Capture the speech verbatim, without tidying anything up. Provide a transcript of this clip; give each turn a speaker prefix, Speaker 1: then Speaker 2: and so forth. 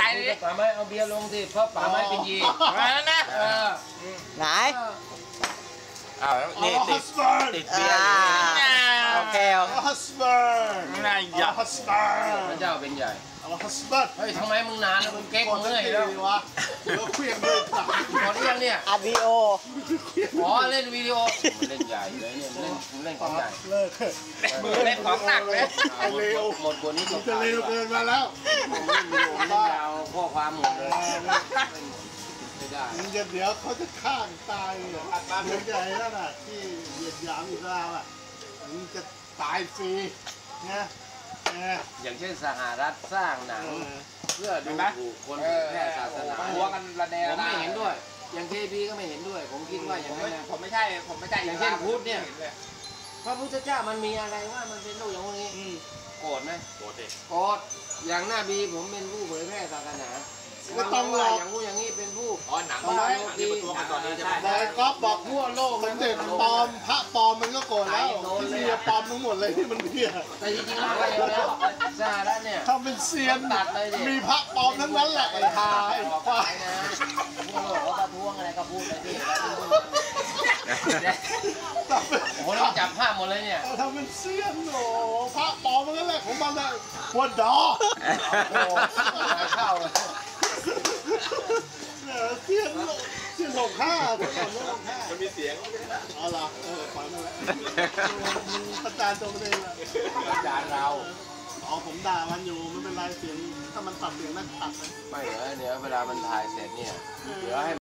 Speaker 1: ายเลยป๋าไม้เอาเบียร์ลงสิเพราะป๋าไม้เป็นยีนั่นนะ
Speaker 2: ไหน
Speaker 1: อ้าวนี่ติดติดเบียร์
Speaker 2: โอเคโอเค
Speaker 3: ฮัสเบิร์น
Speaker 1: นายยา
Speaker 3: ฮัสเบิร์น
Speaker 1: พระเจ้าเป็นใหญ่
Speaker 3: ฮัสเบิร์น
Speaker 1: เฮ้ยทำไมมึงนานแล้วมึงเก๊กมึงเหนื่อยแล้ว
Speaker 3: วะแล้วเครื่องด้วยตัก
Speaker 1: พอได้ยังเนี่ย
Speaker 2: อัดวิดีโอ
Speaker 1: อ๋อเล่นวิดีโอเล่นใหญ่เลยเนี่ยเล่นเล่นของใหญ่
Speaker 3: เลิก
Speaker 1: เล่นของหนักเลย
Speaker 3: เร็ว
Speaker 1: หมดบนนี้
Speaker 3: จะเร็วเกินมาแล้ว
Speaker 1: เล่นวิดีโอเล่นยาวข้อความหมดเลยไม่ได้
Speaker 3: เดี๋ยวเดี๋ยวเขาจะฆ่าตายเลยเดี๋ยวใหญ่แล้วน่ะที่เหยียดหยามอยู่แล้วอ่ะมันจะตายฟรีนะ
Speaker 1: อย่างเช่นสหรัฐสร้างหนังเพื่อดูถูกคนแพร่ศาสนาหัวกันระแนผมไม่เห็นด้วยอย่างเคพีก็ไม่เห็นด้วยผมคิดว่าอย่างนั้น
Speaker 4: ผมไม่ใช่ผมไม่ใช่
Speaker 1: อย่างเช่นพุทธเนี่ยพระพุทธเจ้ามันมีอะไรว่ามันเป็นโลกอย่างนี้โกรธไหม
Speaker 4: โกรธดิ
Speaker 1: โกรธอย่างหน้าบีผมเป็นผู้เผยแพร่ศาสนา
Speaker 3: ไม่ต้องรอ
Speaker 1: อย่างงู้อย่างนี้เป็นผู้
Speaker 4: อ๋อหนังหนังที่ประท้วงกันตอนนี้ใช่ไหม
Speaker 3: แต่ก๊อฟบอกทั่วโลกมันเด็ดปลอมพระปลอมมันก็โกรธแล้วที่เมียปลอมทั้งหมดเลยที่มันเพี้ย
Speaker 1: แต่จริงๆแล้วแล้วสหรัฐเนี่ย
Speaker 3: ทำเป็นเซียน
Speaker 1: ตัดเลยดิ
Speaker 3: มีพระปลอมทั้งนั้นแหละไอ้ทาไอ้ควาย
Speaker 1: นะพวกเราประท้วงอะไรก็พูดไปดิโอ้โหเราจับภาพหมดเลยเนี่ย
Speaker 3: ทำเป็นเซียนโอ้พระปลอมทั้งนั้นแหละของมันเลยหัวดอ
Speaker 1: โอ้เข้าเลย
Speaker 3: เสียงเสียงหกห้า
Speaker 4: มันมีเสียง
Speaker 3: อ๋อเหรอเออขอมาแล้วประจานตัวเองละ
Speaker 1: ประจานเรา
Speaker 3: อ๋อผมด่ามันอยู่ไม่เป็นไรเสียงถ้ามันตัดเสียงนั่นตัด
Speaker 1: ไม่เหรอเดี๋ยวเวลามันถ่ายเสร็จเนี่ยเดี๋ยวให้